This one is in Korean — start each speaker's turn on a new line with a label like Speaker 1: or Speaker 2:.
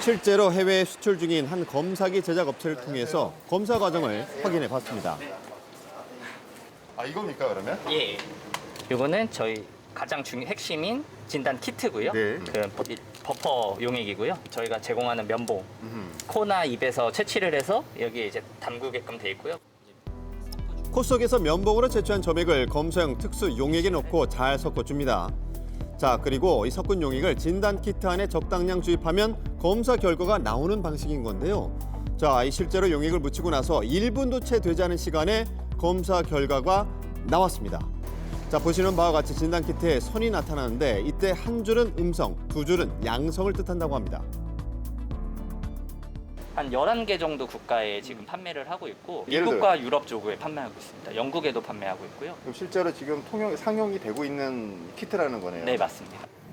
Speaker 1: 실제로 해외에 수출 중인 한 검사기 제작 업체를 통해서 검사 과정을 확인해 봤습니다.
Speaker 2: 아, 이겁니까, 그러면?
Speaker 3: 예. 이거는 저희 가장 핵심인 진단 키트고요.
Speaker 2: 네.
Speaker 3: 그 버퍼 용액이고요. 저희가 제공하는 면봉, 코나 입에서 채취를 해서 여기에 이제 담그게끔 돼 있고요.
Speaker 1: 코 속에서 면봉으로 채취한 점액을 검사용 특수 용액에 넣고 잘 섞어줍니다. 자, 그리고 이 섞은 용액을 진단 키트 안에 적당량 주입하면 검사 결과가 나오는 방식인 건데요. 자, 이 실제로 용액을 묻히고 나서 1분도 채 되지 않은 시간에 검사 결과가 나왔습니다. 자, 보시는 바와 같이 진단 키트에 선이 나타나는데 이때 한 줄은 음성, 두 줄은 양성을 뜻한다고 합니다.
Speaker 3: 한 11개 정도 국가에 지금 판매를 하고 있고
Speaker 2: 예를
Speaker 3: 미국과 유럽 쪽에 판매하고 있습니다. 영국에도 판매하고 있고요.
Speaker 2: 그럼 실제로 지금 상용이 되고 있는 키트라는 거네요.
Speaker 3: 네, 맞습니다.